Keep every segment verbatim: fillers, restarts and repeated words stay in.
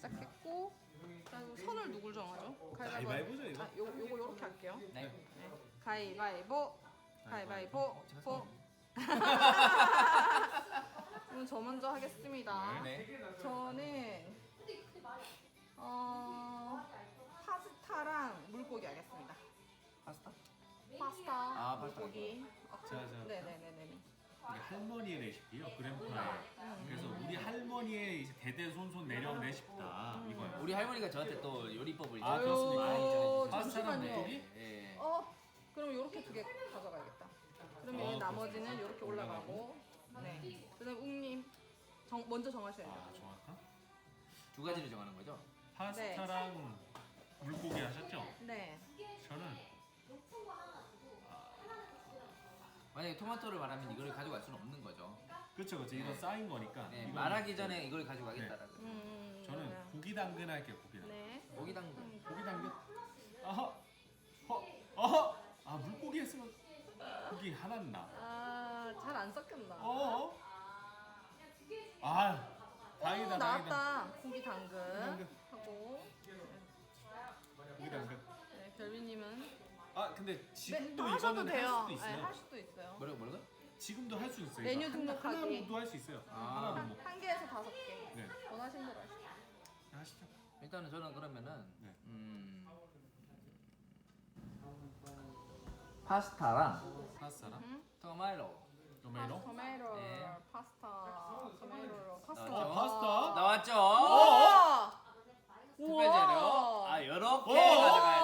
시작했고 그리고 선을 누굴 정하죠? 가위바위보죠, 이거? 아, 요 요거 요렇게 할게요. 네. 네. 가위바위보. 가위바위보. 보. 그럼 저 먼저 하겠습니다. 네. 저는 어 파스타랑 물고기 하겠습니다. 파스타? 파스타, 아, 파스타. 물고기. 어, 자, 자. 네네네네. 이게 할머니의 레시피요, 그램파에. 그래서 우리 할머니의 이제 대대손손 내려온 레시피다 이거예요. 우리 할머니가 저한테 또 요리법을 이제 아, 그렇습니까? 많이 아유, 전해주셨어요. 파스타랑 잠시만요. 물고기? 예. 어, 그럼 요렇게 두 개 가져가야겠다. 그러면 어, 나머지는 요렇게 올라가고. 네. 그다음 웅님 정, 먼저 정하셔야죠. 아, 정확한? 두 가지를 정하는 거죠? 파스타랑 물고기 하셨죠? 네. 저는 만약에 토마토를 말하면 이걸 가져갈 수는 없는 거죠. 그렇죠, 그렇죠. 이건 쌓인 거니까. 네, 이건 말하기 전에 이걸 가져가겠다라는. 음, 저는 네. 고기 당근 할게요, 고기 당근. 네. 고기 당근. 음, 고기 당근. 아하, 허, 어허. 아, 물고기 했으면 고기 하나는 나. 아, 잘 안 섞였나? 어? 아, 다행이다, 오, 다행이다. 나왔다. 고기 당근 당근. 하고. 고기 당근. 네, 별비님은 아, 근데 네, 지금도 또 하셔도 이거는 돼요. 할 수도 네, 있어요. 할 수도 있어요. 뭐라고 뭐라고? 지금도 할 수 있어요. 메뉴 이거. 등록하기. 하나로도 할 수 있어요. 아. 하나로 한, 뭐. 한 개에서 다섯 개. 네. 원하시는 대로 하시죠. 하시죠. 일단은 저는 그러면은 네. 음, 파스타랑 파스타랑 음? 토마토 토마토. 토마토, 네. 파스타, 토마토, 파스타. 나왔죠? 아, 파스타. 나왔죠? 우와! 특별 재료. 아, 요렇게 오!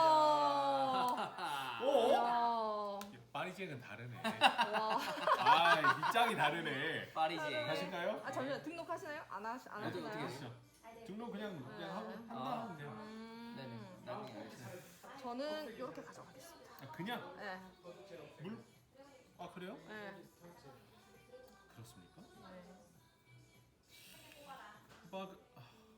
가져가야죠. 오. 와. 파리쟁은 다르네. 와. 아, 밑장이 다르네. 파리지. 하실까요? 아 잠시만 등록하시나요? 안 하시 안 어떻게, 하시나요? 어떻게 하시죠. 등록 그냥 그냥 하고 한다 아. 하면 돼요. 음, 네네. 나중에 알겠습니다. 저는 이렇게 가져가겠습니다. 아, 그냥 네. 물. 아, 그래요? 네. 그렇습니까? 네. 막 아.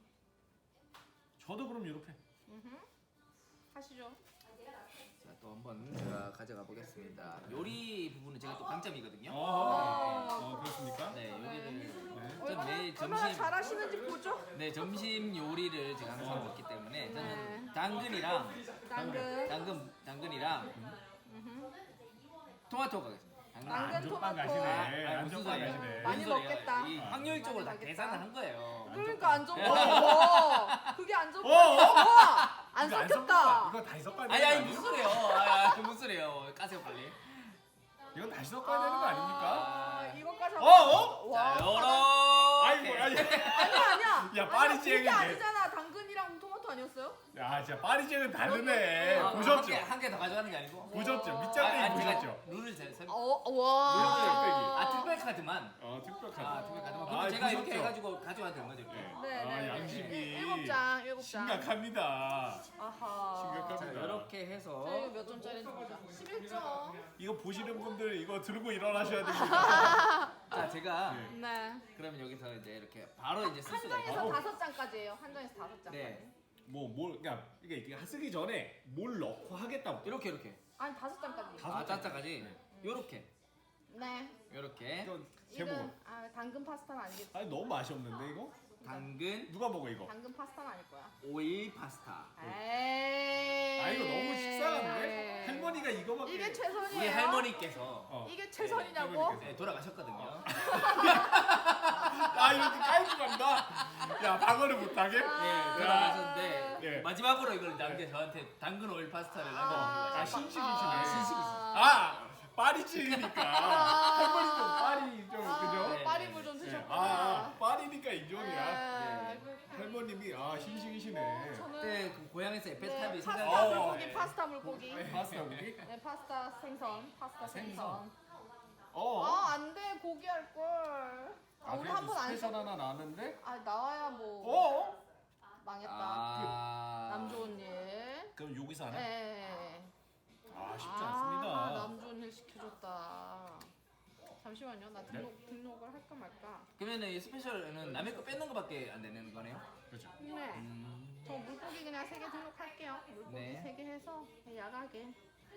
저도 그럼 이렇게. 음흠. 하시죠. 자, 또 한번 제가 가져가 보겠습니다. 요리 부분은 제가 또 강점이거든요. 어, 어, 그렇습니까? 네, 요리를 네. 전 매일 얼마나 점심 잘하시는지 보죠. 네, 점심 요리를 제가 항상 먹기 때문에 저는 네. 당근이랑 당근. 당근 당근이랑 음흠. 토마토 가겠습니다. 당근. 당근. 안전빵 토마토. 가시네. 아, 무슨 안전빵 소리예요? 가시네. 많이 무슨 소리예요? 먹겠다. 이 확률적으로 다 많이 계산을 먹겠다. 한 거예요. 그러니까 안 적. 어. 와. 그게 안 적. 어? 와. 안 이거 안 섞였다. 섞었다. 이거 다시 섞어야 되는 아니 거 아니 아니에요? 무슨 소리예요? 아, 아, 무슨 소리예요? 까세요 빨리. 이건 다시 섞어야 되는 거 아닙니까? 아, 이거까지 어, 하고. 어? 와. 자, 요렇게. 아이고, 아니. 아니야 아니야. 야, 파리지앵인데. 그게 아니잖아. 당근이랑 토마토 아니었어요? 야, 진짜 파리쟁은 다르네. 아, 보셨죠? 한개 더 가져가는 게 아니고. 보셨죠? 아, 밑장빼기 아니, 제가 보셨죠? 룰을 잘 설. 어 와. 아 특별 카드만. 어, 특별 카드. 아 특별 카드만. 아, 그럼 제가 이렇게 보셨죠? 해가지고 가져가도 되는 거죠? 이렇게. 네. 네, 아, 네, 양심이 네. 일곱 장, 일곱 장. 심각합니다. 아하. 심각합니다. 자 이렇게 해서. 자, 이거 몇 점짜리인지 보자. 십일 점. 이거 보시는 분들 이거 들고 일어나셔야 됩니다. 자 제가 네. 네. 그러면 여기서 이제 이렇게 바로 이제 쓸 한 수가 장에서 있고. 바로. 다섯 장까지예요. 한 장에서 다섯 장까지. 네. 뭐, 뭘, 그러니까 이게 이게 쓰기 전에 뭘 넣고 하겠다고. 이렇게 이렇게. 아니 다섯 장까지. 다섯 아 장. 짜짜까지. 네. 요렇게. 네. 요렇게. 이건 이건 제목. 아 당근 파스타는 아니겠지. 아니 너무 맛이 없는데 이거? 당근 누가 먹어 이거? 당근 파스타는 아닐 거야. 오일 파스타. 에이. 아 이거 너무 식상한데? 할머니가 이거밖에. 이게 최선이에요. 우리 할머니께서 어. 이게 최선이냐고? 할머니께서. 네, 돌아가셨거든요. 아 이렇게 깔고 간다. 야 방어를 못하게? 네, 돌아가셨는데 예. 마지막으로 이걸 남겨 저한테 당근 오일 파스타를 아, 남겨주신 아 거죠. 신식이시네. 아, 신식이시네. 아 파리지니까 할머니 좀 파리 좀 아, 그죠? 네, 파리물 좀 네. 드셨구나. 아, 아 파리니까 인정이야. 네. 할머님이 아 신식이시네. 저는 그때 그 고향에서 에펠탑이 네, 파스타 생각나서 어. 물고기, 파스타 물고기. 네, 파스타 고기? 네, 파스타 생선, 파스타 아, 생선. 생선. 어. 아, 안 돼. 고기 할 걸. 아, 아 우리 그래도 한 번 안 스페셜 했어. 하나 나왔는데? 아, 나와야 뭐 어? 망했다. 아... 남 좋은 일. 그럼 여기서 하나? 네. 아 쉽지 아, 않습니다. 남 좋은 일 시켜줬다. 잠시만요. 나 등록 등록을 할까 말까. 그러면은 이 스페셜은 남의 거 뺏는 거밖에 안 되는 거네요? 그렇죠. 네. 음... 저 물고기 그냥 세 개 등록할게요. 물고기 네. 세 개 해서 야가게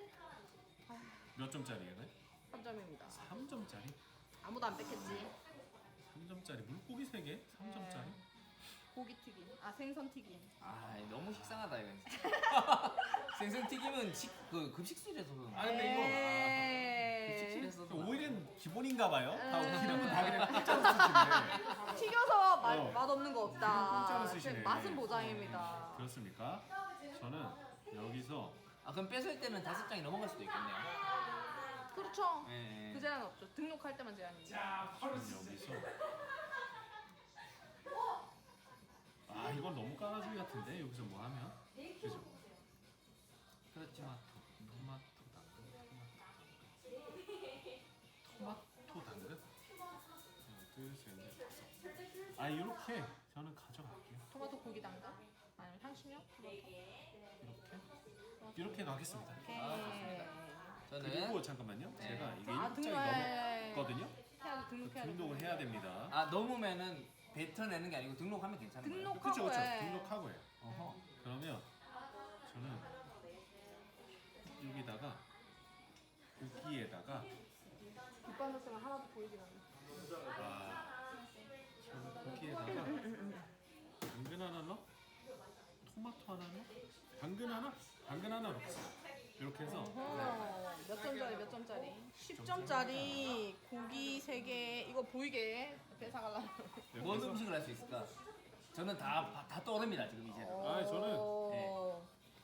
몇 점짜리예요? 삼 점입니다. 삼 점짜리? 아무도 안 뺏겠지. 삼 점짜리 물고기 세 개? 삼 점짜리? 고기 튀김. 아 생선 튀김. 아 너무 식상하다 이건 진짜. 생선 튀김은 식, 그 급식실에서 아 근데 이거 에이. 급식실에서 오일은 기본인가 봐요. 다 음. 기름은 다 그냥 공짜로 쓰시네. 튀겨서 맛, 어. 맛없는 거 없다. 공짜로 쓰시네. 맛은 보장입니다. 그렇습니까? 저는 여기서 아 그럼 뺏을 때는 다섯 장이 넘어갈 수도 있겠네요. 그렇죠. 예, 예. 그 제한 없죠. 등록할 때만 제한입니다. 저는 여기서 아 이건 너무 까나주기 같은데 여기서 뭐 하면 그죠? 그렇지만 토마토 당근 토마토 당근 하나 둘셋넷 다섯 아 이렇게 저는 가져갈게요. 토마토 고기 담가? 아니면 향신료? 토마토? 이렇게 이렇게 가겠습니다. 오케이. 저는 그리고 잠깐만요. 네. 제가 이게 아, 일장이 등록해. 넘었거든요. 해야지 등록해야 돼. 등록을 해야 됩니다. 아 넘으면은 뱉어내는 게 아니고 등록하면 괜찮은 거예요? 등록- 그렇죠, 그렇죠. 해. 등록하고 해요. 어허. 그러면 저는 여기다가 고기에다가 뒷반사스가 하나도 보이지 않네. 아, 저는 고기에다가 당근 하나 넣어, 토마토 하나 넣어, 당근 하나, 당근 하나 넣겠습니다. 이렇게 해서 어허, 몇 점짜리 몇 점짜리? 십 점짜리 고기 세 개 이거 보이게 뺏어가려고. 이렇게 뭔 해서 음식을 할 수 있을까? 저는 다, 다 떠오릅니다 지금 이제는. 아, 저는- 오.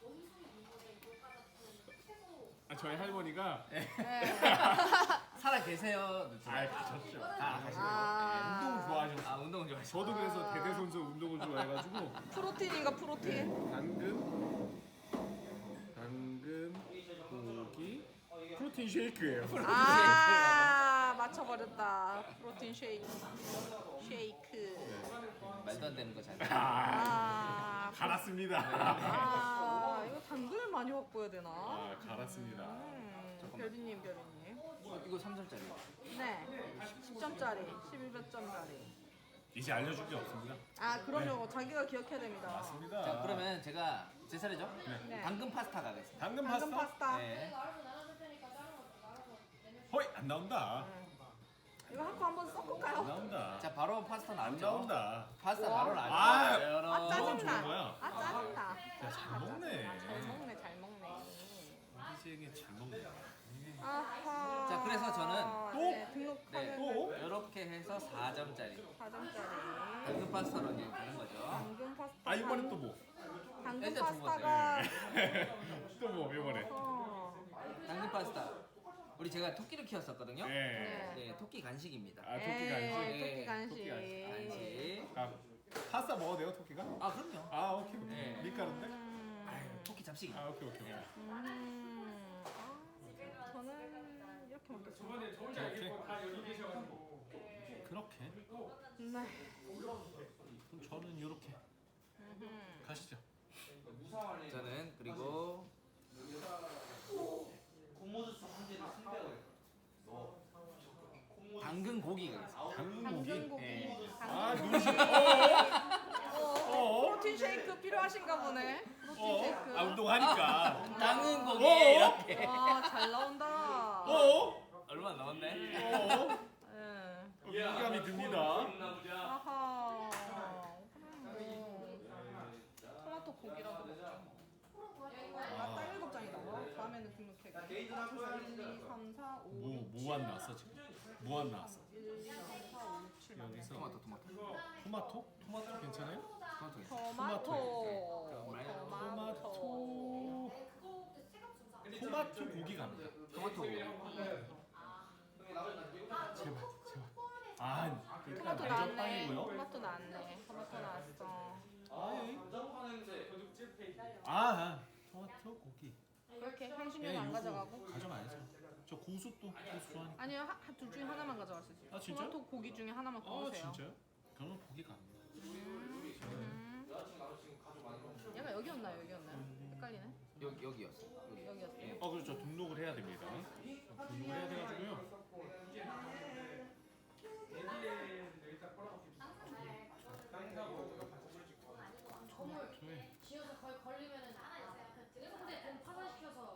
아, 저희 할머니가 네. 살아 계세요. 아 가셨죠. 아, 가시네요. 아. 운동을 좋아하셨어요. 아 운동은 좋아하시죠. 저도 그래서 아. 대대손손 운동을 좋아해가지고 프로틴인가 프로틴? 당근, 당근, 고기, 프로틴 쉐이크예요. 아 맞춰버렸다. 프로틴 쉐이크. 쉐이크. 말도 안 되는 거 잘. 아, 아, 갈았습니다. 아 이거 당근을 많이 확보해야 되나? 아, 갈았습니다. 음, 별이님 별이님. 이거 삼 점짜리. 네. 십 점짜리, 십일 점짜리. 이제 알려줄 게 없습니다. 아 그럼요. 자기가 기억해야 됩니다. 맞습니다. 자 그러면 제가 제 차례죠? 네. 당근 파스타 가겠습니다. 당근 당근 파스타? 파스타. 네. 허이 안 나온다. 이거 한코 한번 안 섞을까요? 나온다. 자 바로 파스타 안 나오죠. 나온다. 파스타 와. 바로 아. 나오죠. 아 그건 좋은 짜증나. 거야. 아 짜증나. 야, 잘 먹네. 아, 잘 먹네 잘 먹네. 이지에게 잘 먹네. 아하. 자, 그래서 저는 또? 네, 등록하면 네. 또? 이렇게 해서 사 점짜리. 사 점짜리. 당근 파스타로 이제 가는 거죠. 당근 파스타. 아 이번엔 또 뭐? 당근 일단 두 파스타가. 또 뭐 이번에? 어. 당근 파스타. 우리 제가 토끼를 키웠었거든요. 네. 네. 네, 토끼 간식입니다. 아 토끼 에이, 간식. 토끼 간식. 토끼 간식. 간식. 아 파스타 먹어도 돼요 토끼가? 아 그럼요. 아 오케이 오케이. 네. 밀가루인데? 음. 아유, 토끼 잡식이. 아 오케이 오케이. 오케이. 음. 아, 저는 이렇게 먹겠습니다. 그렇게. 그렇게. 네. 그럼 저는 이렇게 음. 가시죠. 저는 그리고 당근 고기 가겠습니다. 당근 당근 고기. 고기. 네. 아 당근 누구시? 고기. 어? 어, 프로틴 쉐이크 필요하신가 보네. 프로틴 어? 쉐이크. 아 운동하니까. 당근 고기 어? 이렇게. 아, 잘 나온다. 어? 얼마 안 남았네. 어? 예. 무감이 듭니다. 아하. 그럼 뭐 토마토 고기라도 먹죠. 아, 딱 일곱 장이다. 다음에는 등록해. 일, 이, 삼, 사, 오, 뭐 육, 뭐 안 나왔어 지금? 뭐 안 나왔어? 일, 이, 삼, 사, 오, 육, 칠. 여기서 토마토 토마토. 토마토? 토마토 괜찮아요? 토마토. 있어. 토마토. 토마토. 토마토. 토마토 고기 갑니다. 토마토 고기. 제발 제발. 아 토마토 일단 나왔네. 날젓빵이고요. 토마토 나왔네. 토마토 나왔어. 아이. 아 토마토 고기. 그렇게 예, 향신료는 안 요거 가져가고? 가져가야죠. 저 고수 또 고수 좋아하니까. 아니요, 하- 둘 중에 하나만 가져갈 수 있어요. 아, 진짜요? 토마토 고기 중에 하나만 아 고르세요. 진짜요? 그러면 고기 갑니다. 음. 얘가 여기였나요, 여기였나요? 헷갈리네. 여기 여기였어. 여기. 여기였어요. 어 그렇죠. 등록을 해야 됩니다. 등록을 해야 돼가지고요. 토마토에 지어서 거의 걸리면은 근데 돈 파산시켜서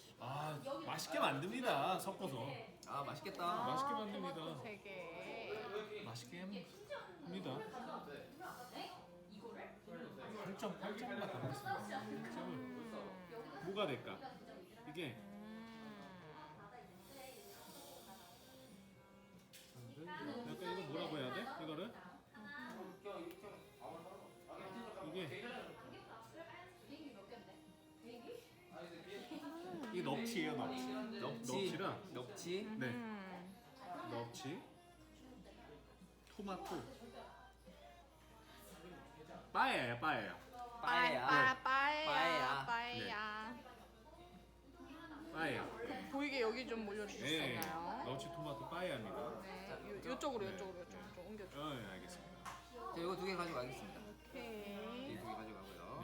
아 맛있게 만듭니다. 섞어서 아 맛있겠다. 아, 맛있게 만듭니다. 토마토 세 개. 아니다. 팔 점 팔 점만 남았어. 일 점을 뭐가 될까? 이게 약간 이거 뭐라고 해야 돼? 이거를 이게 이게 넙치예요, 넙치. 넙치. 넙치랑 넙치. 네, 음. 넙치, 토마토, 빠에요, 빠에요. 빠에야. 빠에야 빠에야. 빠에야. 빠에요. 보이게 여기 좀 네, 올려주셨나요? 넙치, 토마토, 빠에야입니다. 네, 요, 요쪽으로 요쪽으로 요쪽으로 좀 옮겨줘. 어, 네, 알겠습니다. 자, 이거 두 개 가져가겠습니다. 오케이. 이 두 개 가져가고요.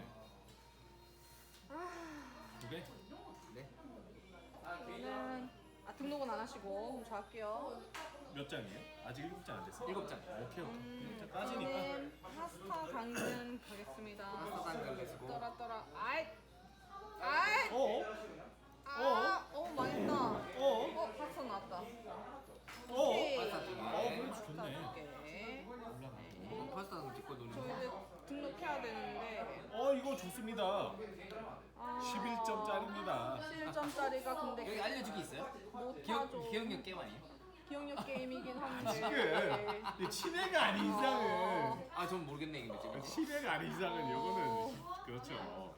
두 개? 네. 저는 아 등록은 안 하시고 그럼 저 할게요. 몇 장이에요? 아직 일곱 장 안 됐어. 일곱 장. 오케이, 오케이. 음, 일곱 장 빠지니까. 저는 파스타 당근 가겠습니다. 파스타 당근 쓰고. 떠라 떠라. 아이, 아이. 어? 아, 어 망했다. 어? 어 파스타 나왔다. 어? 오케이. 파스타 두 개. 어, 그래 파스타 좋네. 두 개. 올라가. 어, 파스타는 뒷거 저 누르는 이제 거. 등록해야 되는데 어, 이거 좋습니다. 아, 십일 점짜리입니다. 십일 점짜리가 근데 여기 알려주기 있어요? 못하죠. 기억 기억력 게임 아니에요? 기억력 게임이긴 한데. 지금 이 치매가 아닌 이상은 아, 전 모르겠네 이거 지금. 치매가 아닌 이상은 요거는 그렇죠.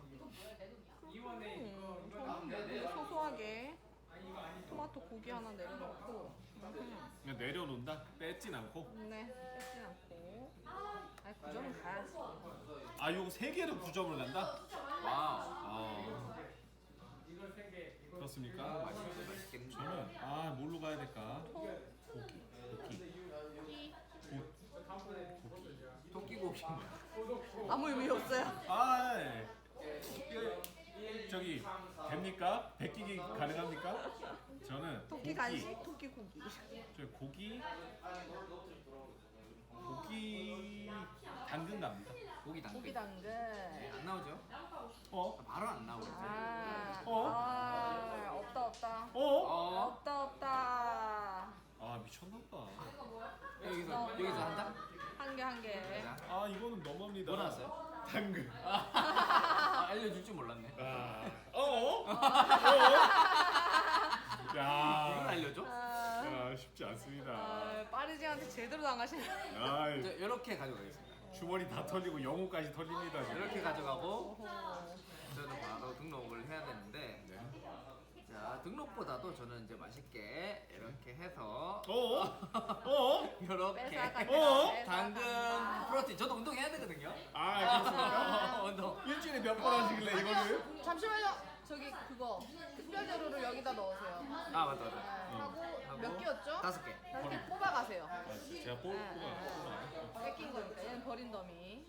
음, 저는 되게 소소하게 토마토 고기 하나 내려놓고 음, 그냥 내려놓는다. 뺏진 않고. 네 뺏진 않고 아니 그 점은 가야지. 아, 요거 세 개를 구 점을 간다? 와우. 아, 그렇습니까? 맛있겠네. 저는 아 뭘로 가야 될까? 고기, 고기, 이 토끼고기. 아무 의미 없어요. 아, 예. 이거 저기 됩니까? 베끼기 가능합니까? 저는 토끼 고기, 간식, 토끼 고기. 저 고기, 고기 당근 갑니다. 고기 당근. 고기 당근. 안 나오죠? 어? 바로 안 나오죠. 아, 어? 아 없다 없다. 어? 어? 없다 없다. 아 미쳤나봐. 여기서 여기서 한 장? 한 개 한 개. 자. 아 이거는 너무합니다. 뭐 나왔어요? 당근. 아, 알려줄 줄 몰랐네. 아, 어? 어? 이걸 야, 알려줘? 아, 야 쉽지 않습니다. 아, 파리지한테 제대로 당하시네. 아, 저 이렇게 가져가겠습니다. 주머니 다 털리고 영혼까지 털립니다. 지금. 이렇게 가져가고 오호. 저는 바로 등록을 해야 되는데 네. 자 등록보다도 저는 이제 맛있게 이렇게 해서 어? 어? 이렇게 뺏어간다, 어? 뺏어간다. 당근 프로틴 저도 운동해야 되거든요. 아, 그렇습니까? 운동. 일주일에 몇 번 하시길래 이거를? 잠시만요. 저기 그거 특별 재료를 여기다 넣으세요. 아 맞다 네, 맞다. 하고 하고 몇 개였죠? 다섯 개. 다섯 개 뽑아가세요. 아, 제가 뽑, 네, 뽑아, 뽑아. 뺏긴 거니까 얘는 버린 더미.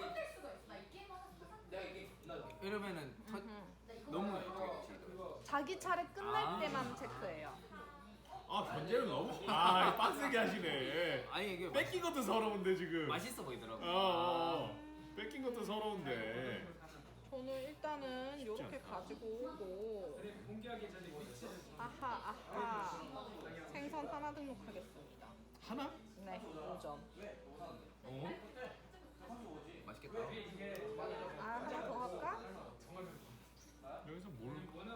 이러면은 터, 너무 어떻게 되지? 자기 차례 끝날 아. 때만 체크해요. 아, 견제를 너무. 아, 빡세게 하시네. 아니 이게 뺏긴 것도 서러운데 지금. 맛있어 보이더라고. 어, 어, 어. 뺏긴 것도 서러운데. 저는 일단은 이렇게 않다. 가지고 오고 아하 아하 생선 하나 등록하겠습니다. 하나? 네, 오 점. 어? 맛있겠다. 아, 하나 더 할까? 여기서 뭘?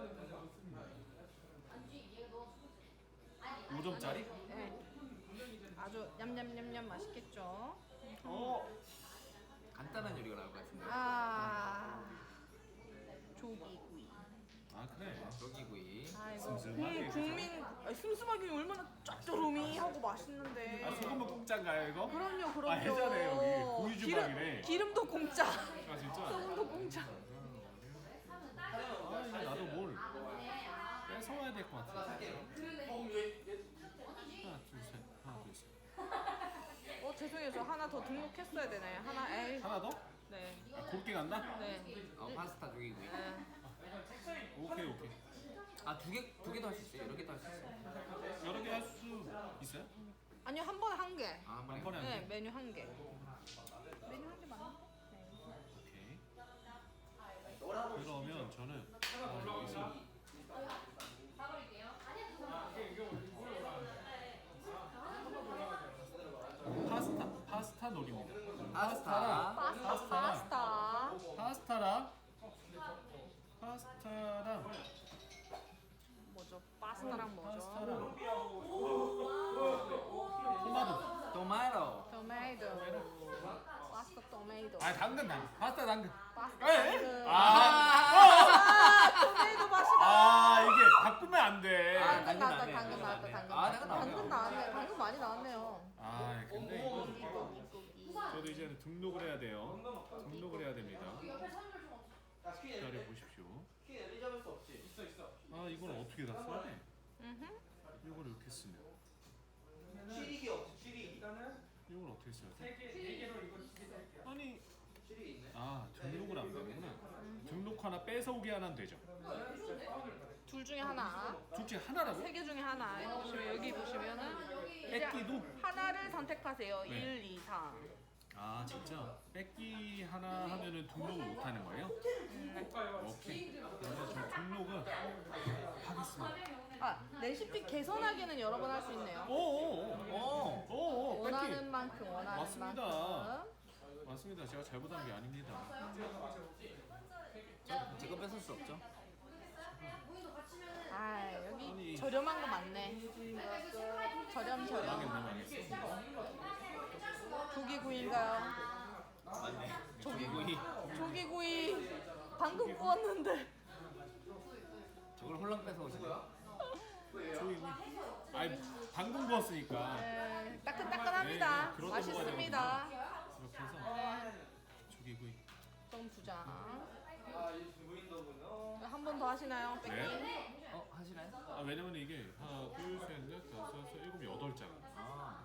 오 점짜리? 네. 아주 냠냠냠냠 맛있겠죠? 어. 간단한 요리가 나올 것 같은데. 아, 조기구이. 아, 그래. 조기구이. 아이고, 슴슴하게 음, 국민 아니, 슴슴하게 얼마나 짭조름이 하고 맛있는데. 아, 소금은 공짜인가요, 이거? 그럼요, 그럼요. 아, 해자네, 여기. 고유 주방이네. 기름, 기름도 공짜. 아, 진짜? 소금도 공짜. 아, 이거 나도 뭘 뺏어와야 될 것 같아. 하나, 둘, 셋. 하나, 둘, 셋. 어, 죄송해요. 저 하나 더 등록했어야 되나요? 하나, 에이. 하나 더? 네. 아, 굵게 간다? 네. 어 파스타 조기구이. 네. 오케이, 오케이. 아 두 개 두 개도 할 수 있어요. 여러 개도 할 수 있어요. 여러 개 할 수 있어요? 아니요, 한 번에 한 개. 아, 한 번에. 한 번에 한 네, 개? 메뉴 한 개. 메뉴 한 개 맞나? 네. 오케이. 그러면 저는 아, 여기서 파스타 파스타 파스타 놀입니다. 파스타. 파스타 파스타. 파스타랑 파스타랑 뭐죠? 파스타랑 뭐죠? 파스타랑 토마토. 토마토. 토마토. 파스타 토마토. 아 당근 당근. 파스타 당근. 파스타 에? 당근. 아, 아, 토마토 맛이다. 아 이게 바꾸면 안 돼. 아, 당근 나왔다, 당근 당근 나왔다, 당근. 아, 당근 나왔네. 당근 나왔네. 당근 많이 나왔네요. 아 근데 이거 저도 이제는 등록을 해야 돼요. 등록을 해야 됩니다. 기다려 보십시오. 아 이건 어떻게 다 써야 돼? 음흠. 이걸 이렇게 쓰면 취리기 없지 취리기. 이걸 어떻게 써야 돼? 아니 아 등록을 안 되는구나. 등록 하나 뺏어오기 하나는 되죠. 둘 중에 하나. 둘 중에 하나라고? 세 개 중에 하나. 여기 보시면 여기 보시면은 이제 뺏기도? 하나를 선택하세요. 네. 일, 이, 삼. 아 진짜 뺏기 하나 하면은 등록을 못 하는 거예요? 음, 오케이. 그러면 저 등록은 하겠습니다. 아, 레시피 개선하기는 여러 번 할 수 있네요. 오오오. 오오. 원하는 뺏기. 만큼 원하는 맞습니다. 만큼. 맞습니다. 제가 잘못한 게 아닙니다. 제거 뺏을 수 없죠. 아, 여기 아니. 저렴한 거 많네. 저렴 저렴. 망했네 망했어. 조기구이인가요? 맞네. 조기구이. 조기구이. 방금 구웠는데. 저걸 홀랑 뺏어 오시네. 조이. 아니 방금 구웠으니까 네, 따끈따끈합니다. 네, 그러다 맛있습니다. 이렇게 해서 조기구이. 좀 두 장. 한 번 더 하시나요, 뺏기? 네. 어 하시나요? 아 왜냐면 이게 하나 둘셋넷 다섯 여섯 일곱 여덟 장. 아.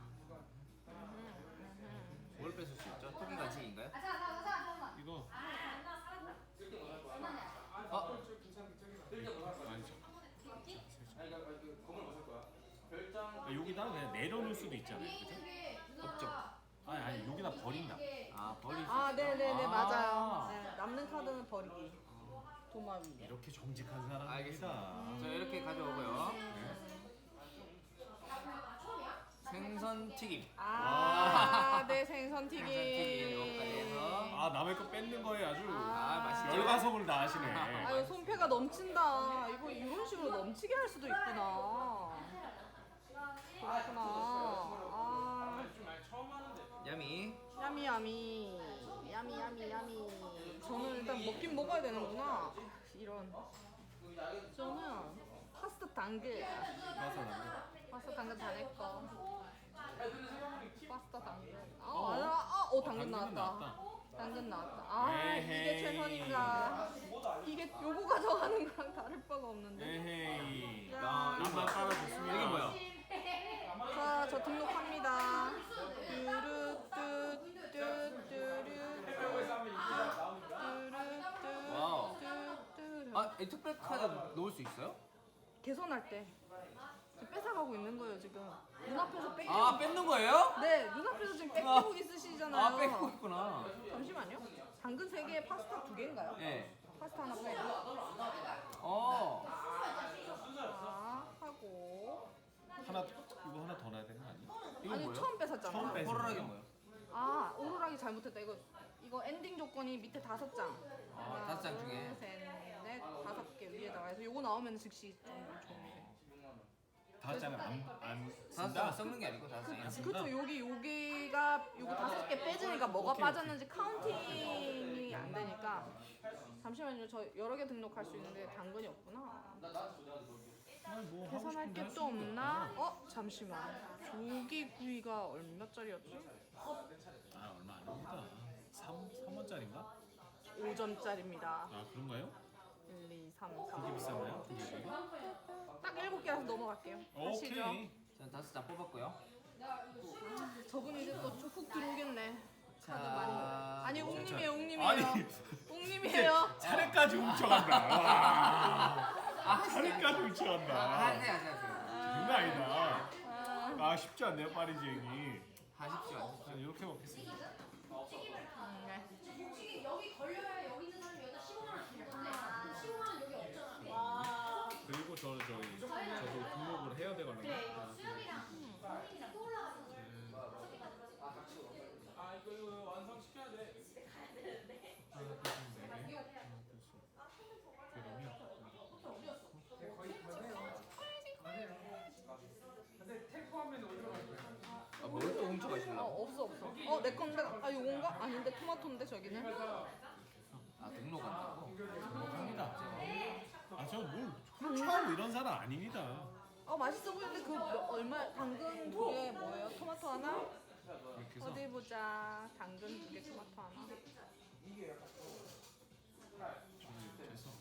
뭘 뺏을 수 있죠? 토끼 간식인가요? 이거 어? 아니죠. 아, 여기다 그냥 내려놓을 수도 있잖아요, 그죠? 없죠. 아니 아니 여기다 버린다. 아 버릴 수 아, 있죠. 네네네, 아. 맞아요. 네, 남는 카드는 버리기. 도마 위에. 이렇게 정직한 사람입니다. 알겠습니다. 저 이렇게 가져오고요. 네. 생선 튀김. 아, 네, 생선 튀김. 생선 튀김 요거까지 해서. 아 남의 거 뺏는 거에 아주 아, 맛있죠? 열과성을 다 하시네. 아유, 손패가 넘친다. 이거 이런 식으로 넘치게 할 수도 있구나. 그렇구나. 아, 야미. 야미 야미. 야미 야미 야미. 저는 일단 먹긴 먹어야 되는구나. 이런. 저는 파스타 당근. 가서 남겨. 파스타 당근 다 냈고. 파스타 당근. 아, 아, 아, 어, 당근 당근은 나왔다. 당근 나왔다. 아, 이게 에헤이. 최선인가? 이게 요거 가져가는 거랑 다를 바가 없는데. 에헤이. 야. 나만 따라줬습니다. 이게 뭐야? 자, 저 등록합니다. 와우. 뚜루뚜뚜뚜뚜뚜뚜뚜뚜. 아, 이 특별 카드 놓을 수 있어요? 개선할 때 지금 뺏어가고 있는 거예요 지금. 눈앞에서 뺏기고. 아, 뺏는 거예요? 네, 눈앞에서 지금 뺏기고 아. 있으시잖아요. 아, 뺏고 있구나. 잠시만요. 당근 세 개에 파스타 두 개인가요? 예. 파스타 하나 빼고. 어. 자, 하고. 하나 이거 하나 더 넣어야 되는 거 아니야? 이거 아니 뭐예요? 처음 뺏었잖아. 처음 뺏- 호루라기 뭐예요? 아, 오로락이 잘못했다. 이거 이거 엔딩 조건이 밑에 다섯 장. 아, 다섯 장 중에. 셋, 넷, 다섯 개 위에다가 해서 요거 나오면 즉시 좀 좋은데. 다섯 장을 안안 다섯 쓴다. 장을 섞는 게 아니고 다섯 장이 안 쓴다. 그렇죠. 여기 여기가 요거 다섯 개 빼지니까 뭐가 오케이, 빠졌는지 카운팅이 안 되니까. 잠시만요. 저 여러 개 등록할 수 있는데 당근이 없구나. 아니, 뭐 하고 계산할 싶은데 게 할 또 수도 없나? 없고. 어, 잠시만. 조기구이가 얼마짜리였지? 아 얼마 아닙니다. 삼 원짜리인가? 오 점짜리입니다. 아 그런가요? 일, 이, 삼, 그게 사. 비싼가요? 그게? 딱 일곱 개라서 넘어갈게요. 하시죠. 오케이. 전 다섯 장 뽑았고요. 저분 이제 또 훅 들어오겠네. 자. 카드 많이. 아니, 웅님이에요, 웅님이에요. 아니 웅님이에요. 차례까지 훔쳐간다. 와. 아, 차례까지 훔쳐간다. 하세요, 하세요, 하세요. 장난 아니다. 아, 아 쉽지 않네요 파리지행이. 하십시오, 하십시오. 자, 이렇게 먹겠습니다. 음, 네. 혹시 여기 걸려야 여기 있는 사람이 여기다 십오만 원 줄 건데 십오만 원 여기 없잖아. 그리고 저 저희 저도 등록을 해야 되거든요. 그래 이거 수영이랑 수영이랑 또 올라가서 훔쳐 어 가시려고? 없어 없어. 어 내 건데 아 요건가? 아닌데 토마토인데 저기는. 아 등록 간다고? 합니다. 아저뭘 훔쳐 이런 사람 아닙니다. 어 맛있어 보이는데 그 몇- 얼마 당근 두 개 뭐예요? 토마토 하나? 이렇게 해서 어디 보자. 당근 두 개 토마토 하나. 저기 돼서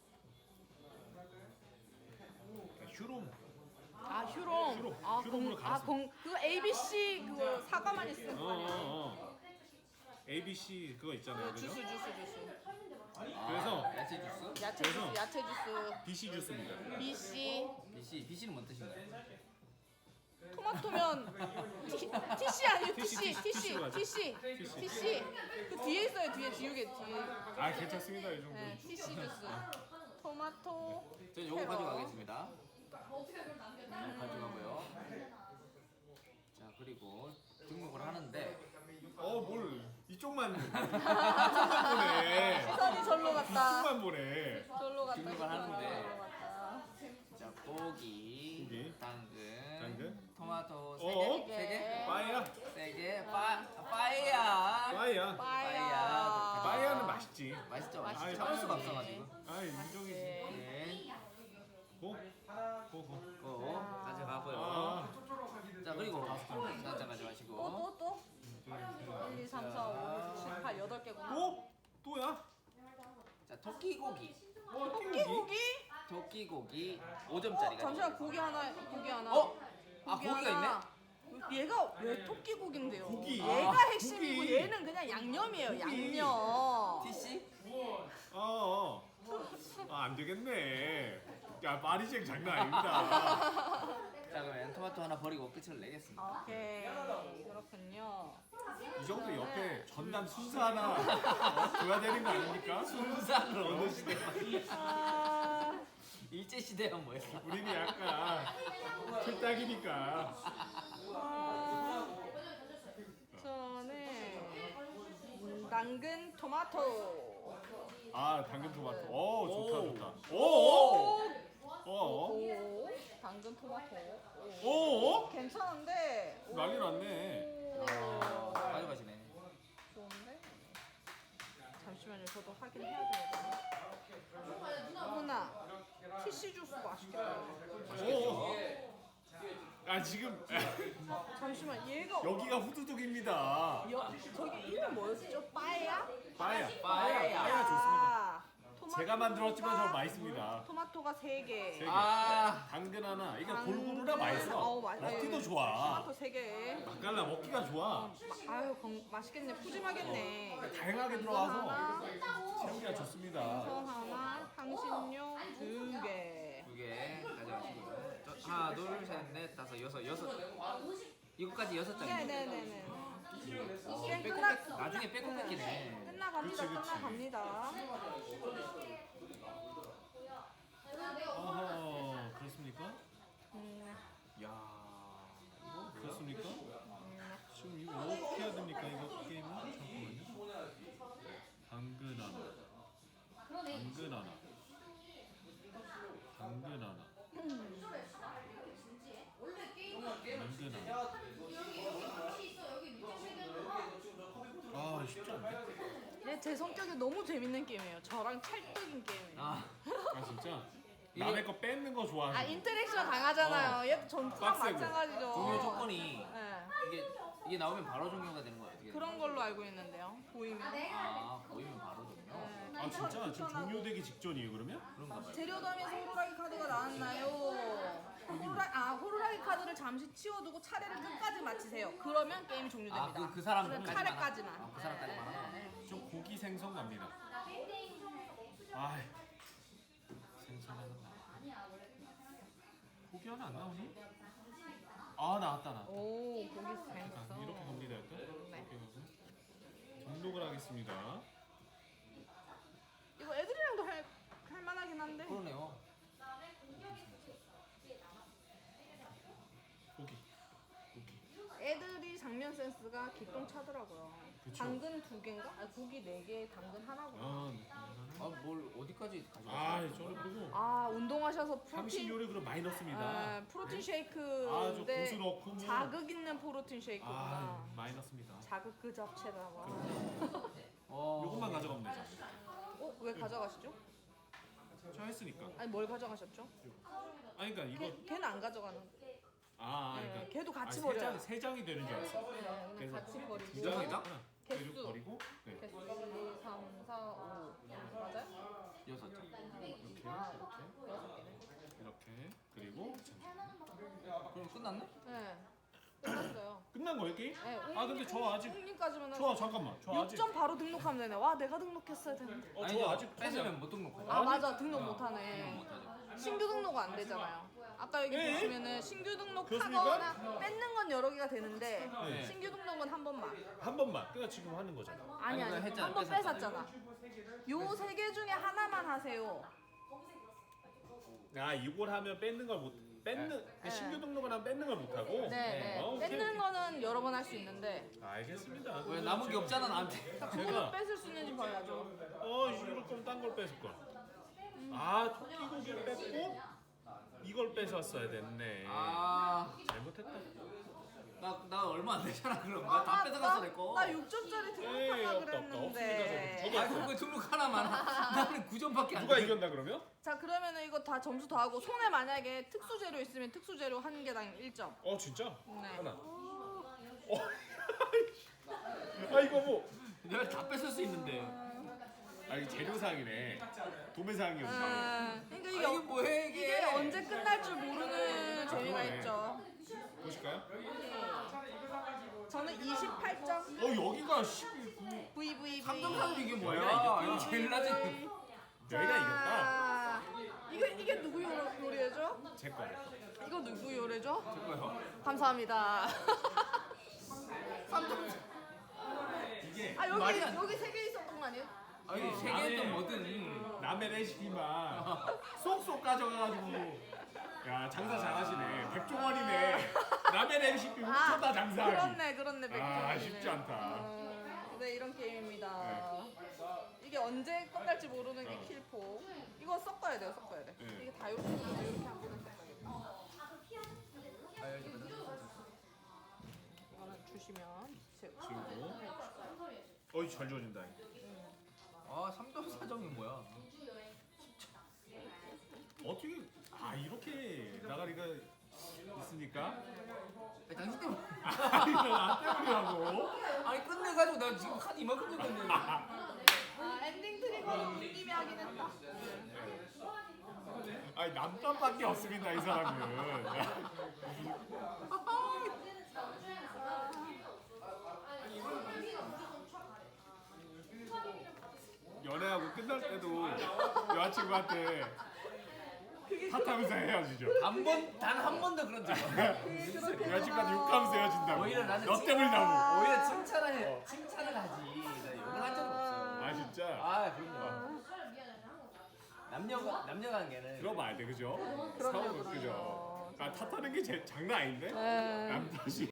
휴롬 아 휴롬. 휴롬. 아 휴롬으로 공, 아 갈았어. 공, 그거 에이비씨 그거 사과만 있으면 어, 거 아니야? 어, 어. 에이비씨 그거 있잖아요, 그죠? 주스 주스 주스. 그래서 아, 야채 주스? 야채 그래서- 주스 야채 주스. 비씨 주스입니다. 비씨 비씨 비씨는 뭔 뜻인가요? 토마토면 티, 티씨 아니에요 티씨, 티씨 티씨, 티씨 티씨로 하죠. 티씨 티씨. 티씨 그 뒤에 있어요 뒤에 지우개 뒤에. 아 괜찮습니다 이 정도. 네, 티씨 주스. 토마토. 전 요거 캐럿. 가져가겠습니다. 가져가고요. 자 그리고 등록을 하는데 어뭘 이쪽만 이쪽만 보네. 시선이 절로 갔다. 이쪽만 보네. 절로 갔다. 등록을 시선이 하는데. 절로 갔다. 자 고기, 고기. 당근, 당근. 토마토 세 어? 개, 세 개, 빠이야. 세 개, 빠 빠이야. 빠이야. 빠야. 빠이야는 맛있지. 맛있죠, 맛있죠. 맛있죠. 참을 수가 없어가지고. 아 인정이지. 네, 고. 고 고. 고 가져가고요. 아. 자 그리고 한잔 가져가시고. 또 또 또. 일, 이, 삼, 사, 오, 육, 칠, 팔, 여덟 개구나. 또? 또야? 자 토끼고기, 토끼 고기? 토끼고기 오 점짜리가. 잠시만 고기 하나 고기 하나. 어? 아 고기가 있네? 하나. 얘가 왜 토끼 고기인데요? 고기. 얘가 아, 핵심이고 고기. 얘는 그냥 양념이에요. 고기. 양념. 티씨? 어. 아, 안 되겠네. 야, 마리쟁 장난 아닙니다. 자 그러면 토마토 하나 버리고 끝을 내겠습니다. 오케이 그렇군요. 이 정도 옆에 전남 순서 하나 어? 줘야 되는 거 아닙니까? 순산으로 어느 시대? 아, 일제 시대는 뭐였어? 우리는 약간 틀딱이니까. 아, 저는 음, 당근 토마토. 아, 당근 토마토. 오, 좋다, 오. 좋다. 오, 오, 오, 당근 토마토. 오. 오, 오. 괜찮은데. 오. 난리 났네. 오. 가져가시네. 좋은데? 잠시만요. 저도 확인해야 되거든요. 누나, 티시 주스 맛있겠다. 오. 아, 지금 잠시만, 얘가 여기가 후두둑입니다. 여, 저기 이름 뭐였죠? 빠야? 빠야, 빠야. 빠야 좋습니다. 토마토가- 제가 만들었지만 저 맛있습니다. 토마토가 세 개. 세 개. 아 당근 하나. 이게 당근. 골고루라 맛있어. 어우, 맛- 먹기도 아유, 좋아. 토마토 세 개. 맛깔나 먹기가 좋아. 마, 아유, 건, 맛있겠네. 푸짐하겠네. 다양하게 이거 들어가서 하나, 채우기가 좋습니다. 저 하나, 향신료 두 개. 두 개 가져가시고요. 저, 하나 둘셋넷 다섯 여섯 여섯. 이거까지 여섯 장이요. 네네네네. 게임 빼고 끝나, 뺏- 나중에 빼고 뺏기네. 끝나갑니다. 그치, 그치. 끝나갑니다. 어허, 그렇습니까? 음, 야 이거 그렇습니까? 음. 지금 이거 어떻게 해야 됩니까? 이거 게임은? 잠깐만요. 당근 하나. 당근 하나. 당근 하나. 당근 하나. 아, 쉽지 않네. 얘 제 성격이 너무 재밌는 게임이에요. 저랑 찰떡인 게임이에요. 아 아, 진짜? 이게- 남의 거 뺏는 거 좋아하는 아 인터랙션 강하잖아요. 얘도 전투랑 빡세고. 마찬가지죠. 종료 조건이 네. 이게 이게 나오면 바로 종료가 되는 거야 어떻게? 그런 걸로 알고 있는데요. 보이면. 아 보이면 바로 종료. 네. 아, 진짜? 지금 종료되기 직전이에요, 그러면? 그런가 봐요. 재료담에서 호루라기 카드가 나왔나요? 호루라, 아 호루라기 카드를 잠시 치워두고 차례를 끝까지 마치세요. 그러면 게임이 종료됩니다. 아그 그 사람 그냥 까지만 차례까지만. 아, 그 사람까지만 하나? 네, 네, 네. 좀 고기 생선 갑니다. 아, 생선 하나. 고기 하나 안 나오니? 아, 나왔다, 나왔다. 오 고기 자, 생선. 이렇게 갑니다, 일단. 네. 이렇게 가고. 등록을 하겠습니다. 이거 애들이랑도 할, 할 만하긴 한데. 그러네요. 고기. 고기. 애들이 장면 에센스가 기똥차더라고요. 그쵸. 당근 두 개인가? 아, 고기 네 개, 당근 하나구나. 아, 네. 아뭘 어디까지 가져가? 아, 저는 그리고 아, 운동하셔서 당신 프로틴 요리 그럼 많이 넣습니다. 아, 프로틴 아, 저 쉐이크인데 고수 넣고 뭐. 자극 있는 프로틴 쉐이크구나. 아, 많이 넣습니다. 자극 그 자체다. 와. 어. 요것만 가져가면 되죠. 어, 왜 가져가시죠? 저 했으니까. 아니, 뭘 가져가셨죠? 아니 그러니까 이거 걔, 걔는 안 가져가는. 아, 네, 그러니까 걔도 같이 아, 세 버려요. 장, 세 장이 되는 줄 알았어. 네, 그냥 그래서 같이 두 버리고. 장이다? 개수. 개수 버리고 네. 개수 일, 이, 삼, 사, 오. 맞아요? 여섯 장. 이렇게 아, 이렇게 여섯 개네. 이렇게 그리고 그럼 끝났네? 네. 끝났어요. 끝난 거예요 게임? 네, 아 근데 저 아직 옹님까지만 저 잠깐만 저 아직 육 점 바로 등록하면 되네. 와, 내가 등록했어야 되는데. 어, 아니죠. 저 아직 뺏으면 못 등록하죠. 아, 맞아. 등록 어, 못하네. 못하죠. 신규 등록 안 되잖아요. 아까 여기 네? 보시면은 신규 그렇습니까? 등록하거나 뺏는 건 여러 개가 되는데 네. 신규 등록은 한 번만. 한 번만 그러니까 지금 하는 거잖아. 아니 아니, 아니 그거 했잖아, 한 번 뺏었잖아. 뺏었잖아. 요 세 개 중에 하나만 하세요. 아 이걸 하면 뺏는 걸 못 뺏는 네. 신규 등록을 하면 뺏는 걸 못 하고. 네, 네. 어, 오케이, 뺏는 오케이. 거는 여러 번 할 수 있는데 알겠습니다. 왜 남은 게 없잖아 나한테. 그거는 뺏을 수 있는지 봐야죠. 어 이럴 거면 딴 걸 뺏을 걸. 아 토끼고기를 뺏고 이걸 뺏었어야 됐네. 아, 잘못했다. 나, 나 얼마 안 되잖아 그럼. 나 다 뺏어갔어 내 거. 나 육 점짜리 에이, 등록하려 없다, 없다. 그랬는데. 없습니다, 아 그럼 왜 등록 하나만? 나는 구 점밖에 안 누가 돼. 이겼나 그러면? 자, 그러면은 이거 다 점수 더하고 손에 만약에 특수 재료 있으면 특수 재료 한 개당 일 점. 어 진짜? 네. 하나. 어. 아 이거 뭐? 내가 다 뺏을 수 있는데. 아 이거 재료상이네. 도매상이었네. 아, 그러니까 아, 이게, 이게 뭐해 이게? 이게 언제 끝날 줄 모르는 재미가 그러네. 있죠. 보실까요? 저는 이십팔 점. 어 여기가 십구. 브이 브이 브이. 삼 점 삼 이게 뭐야? 내가 이겼다. 이거 제일 낮은. 여기가 이겼다. 자, 이거 이게 누구 요리- 요리죠? 제 거. 이거 누구 요리죠? 뭐야? 감사합니다. 삼 점. 이게 아, 말이 여기 안- 여기 세 개 있었던 거 아니에요? 아니 세 개든 뭐든. 남의 레시피만 쏙쏙 가져가가지고. 야 장사 잘하시네. 백종원이네. 남의 레시피 훔쳐다 장사하기. 그렇네, 그렇네. 아 백종원이네. 쉽지 않다. 어, 네, 이런 게임입니다. 네. 이게 언제 끝날지 모르는 게 어. 킬포. 이거 섞어야 돼요, 섞어야 돼. 네. 이게 다 이렇게 이렇게 한 번에 섞어야겠다. 이거는 주시면 제가 지우고. 어이 잘 지워진다. 아 삼 점 사 점이 뭐야? 어떻게 아 이렇게 나가리가 있으니까 아니, 당신 때문에. 아 이거 나 때문이라고. 아니 끝내가지고 나 지금 카드 이만큼 줬는데. 아, 엔딩 트리거는 님이 하긴 했다. 아니 남편밖에 없습니다 이 사람은. 연애하고 끝날 때도 여자친구한테 탓하면서 헤어지죠. 한 번 단 한 번도 그런 적 없어. 여자친구한테 욕하면서 헤어진다고. 오히려 나는 너 칭- 때문이라고. 오히려 칭찬을 해, 칭찬을 하지. 나 욕을 한 적은 없어요. 아 진짜. 아 그럼요. 남녀가 남녀 관계는 들어봐야 돼 그죠? 그럼요, 서로 그죠? 그럼요. 아 탓하는 게 제, 장난 아닌데? 네. 남 탓이.